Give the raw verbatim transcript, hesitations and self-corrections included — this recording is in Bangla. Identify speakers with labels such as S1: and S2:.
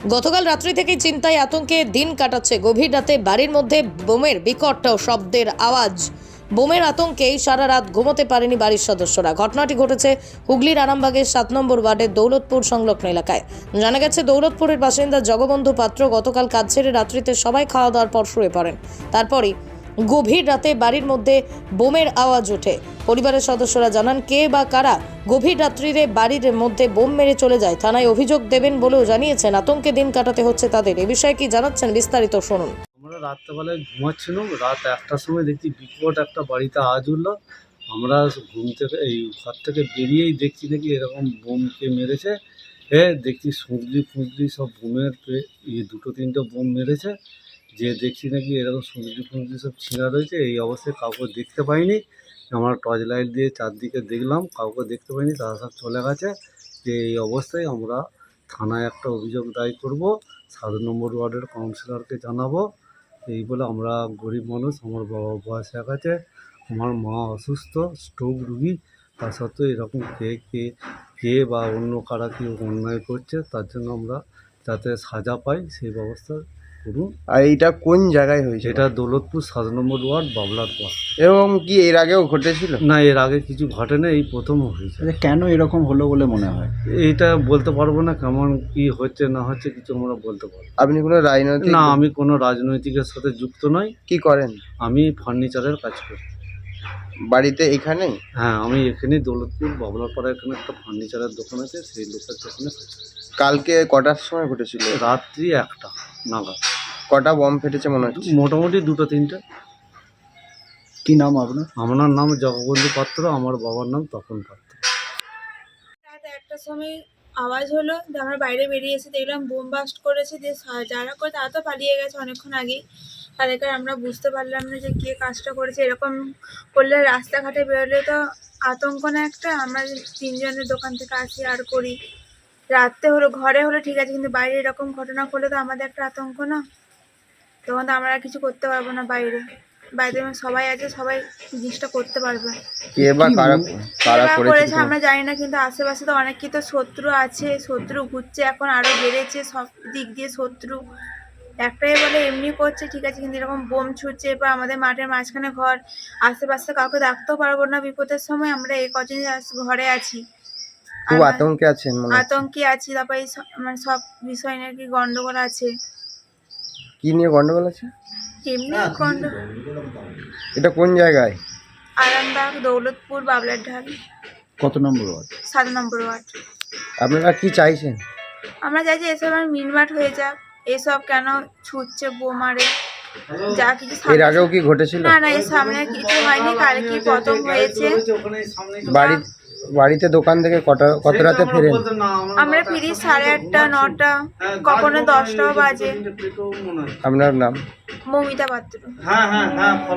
S1: গতকাল রাত্রি থেকেই চিন্তায় আতঙ্কে দিন কাটাচ্ছে। গভীর রাতে বাড়ির মধ্যে বোমের বিকট শব্দের আওয়াজ। বোমের আতঙ্কেই সারা রাত ঘুমোতে পারেনি বাড়ির সদস্যরা। ঘটনাটি ঘটেছে হুগলির আরামবাগের সাত নম্বর ওয়ার্ডের দৌলতপুর সংলগ্ন এলাকায়। জানা গেছে, দৌলতপুরের বাসিন্দা জগবন্ধু পাত্র গতকাল কাজ ছেড়ে রাত্রিতে সবাই খাওয়া দাওয়ার পর শুয়ে পড়েন। তারপরই গভীর রাতে বাড়ির মধ্যে বোমের আওয়াজ ওঠে। পরিবারের সদস্যরা জানান, কে বা কারা গভীর রাত্রিরে বাড়ির মধ্যে বোম মেরে চলে যায়, থানায় অভিযোগ দেবেন বলেও জানিয়েছেন। আতঙ্কে দিন কাটাতে হচ্ছে তাদের। এ বিষয়ে কি জানাচ্ছেন বিস্তারিত শুনুন।
S2: আমরা রাত্রেবেলায় ঘুমাচ্ছিলাম, রাত একটার সময় দেখছি বিকট একটা বাড়িতে আওয়াজ উঠলো। আমরা ঘুম থেকে এই ঘর থেকে বেরিয়েই দেখছি নাকি এরকম বোমকে মেরেছে। এ দেখছি সুঁজলি ফুঁজলি সব বোমের এই দুটো তিনটে বোম মেরেছে, যে দেখছি নাকি এরকম সুঁজলি ফুঁজলি সব ছিঁড়া রয়েছে। এই অবস্থায় কাউকে দেখতে পাইনি। আমরা টর্চ লাইট দিয়ে চারদিকে দেখলাম, কাউকে দেখতে পাইনি, তারা সব চলে গেছে। যে এই অবস্থায় আমরা থানায় একটা অভিযোগ দায়ের করব, সাত নম্বর ওয়ার্ডের কাউন্সিলরকে জানাবো। এই বলে, আমরা গরিব মানুষ, আমার বাবা বয়স এক আছে, আমার মা অসুস্থ, স্ট্রোক রুগী, তা সত্ত্বেও এরকম কে কে কে বা অন্য কারা কেউ অন্যায় করছে, তার জন্য আমরা যাতে সাজা পাই সেই ব্যবস্থা করুন।
S3: আর এইটা কোন জায়গায় হয়েছে?
S2: এটা দৌলতপুর সাত নম্বর ওয়ার্ড, বাবলার পাড়।
S3: এবং কি এর আগেও ঘটেছিল?
S2: না, এর আগে কিছু ঘটে না, এই প্রথম হয়েছে।
S4: আচ্ছা, কেন এরকম হলো বলে মনে হয়?
S2: এইটা বলতে পারবো না, কেমন কি হচ্ছে না হচ্ছে কিছু আমরা বলতে পারবো না।
S3: আপনি কোনো রাজনৈতিক?
S2: না, আমি কোনো রাজনৈতিকের সাথে যুক্ত নই।
S3: কি করেন?
S2: আমি ফার্নিচারের কাজ করি।
S3: বাড়িতে এখানেই?
S2: হ্যাঁ, আমি এখানেই দৌলতপুর বাবলাপাড়া এখানে একটা ফার্নিচারের দোকান আছে, সেই লোকের দোকানে কাজ করি।
S3: কালকে কটার সময় ঘটেছিল?
S2: রাত্রি একটা নাগাদ
S3: কটা বম ফেটেছে মনে হচ্ছে?
S2: মোটামুটি দুটো তিনটে।
S4: কি নাম আপনার?
S2: আমার নাম জগবন্ধু পাত্র, আমার বাবার নাম তপন পাত্র।
S5: রাত একটার সময় আওয়াজ হলো, দিয়ে আমরা বাইরে বেরিয়ে এসে দেখলাম বোম বাস্ট করেছে। দিয়ে সা- যারা করে তারা তো পালিয়ে গেছে অনেকক্ষণ আগেই। তাদেরকে আমরা বুঝতে পারলাম না যে কে কাজটা করেছে। এরকম করলে রাস্তাঘাটে বেরোলে তো আতঙ্ক না একটা। আমরা যে তিনজনের দোকান থেকে আসি আর করি, রাত্রে হলো ঘরে হলে ঠিক আছে, কিন্তু বাইরে এরকম ঘটনা করলে তো আমাদের একটা আতঙ্ক না। তখন তো আমরা আর কিছু করতে পারবো না। বাইরে বাইরে যখন সবাই আছে, সবাই জিনিসটা করতে পারবে।
S3: কে বা কারা কারা
S5: এরা
S3: করেছে?
S5: করেছে আমরা জানি না, কিন্তু আশেপাশে তো অনেক কি তো শত্রু আছে, শত্রু ঘুরছে, এখন আরো বেড়েছে সব দিক দিয়ে শত্রু। একটাই বলে এমনি করছে ঠিক আছে, কিন্তু এরকম বোম ছুটছে বা আমাদের মাঠের মাঝখানে ঘর, আশেপাশে কাউকে ডাকতেও পারবো না বিপদের সময়। আমরা এই কজন ঘরে আছি,
S3: খুব
S5: আর
S3: আতঙ্কে আছেন মনে হচ্ছে।
S5: আতঙ্কে আছি। তারপরে এই সব- মানে সব বিষয় নাকি গন্ডগোল আছে,
S3: কি নিয়ে গন্ডগোল আছে?
S5: এমনি গন্ডগোল।
S3: এটা কোন জায়গায়?
S5: আরামবাগ, দৌলতপুর, বাবলার ঢাল,
S4: কত নম্বর ওয়ার্ড?
S5: সাত নম্বর ওয়ার্ড।
S3: আপনারা কি চাইছেন?
S5: আমরা চাইছি এসব আর মিটমাট হয়ে যাক। এসব কেন ছুটছে বোমারে, যা কিছু
S3: এর
S5: সামনে-
S3: আগেও কি ঘটেছিল?
S5: না না, এর সামনে কিছু হয়নি, কালকে প্রথম হয়েছে।
S3: বাড়ি বাড়িতে দোকান থেকে কটা কত রাতে ফেরেন?
S5: আমরা ফিরি সাড়ে আটটা নটা, কখনো দশটাও বাজে।
S3: আপনার নাম?
S5: মমিতা পাত্র।
S2: হ্যাঁ হ্যাঁ হ্যাঁ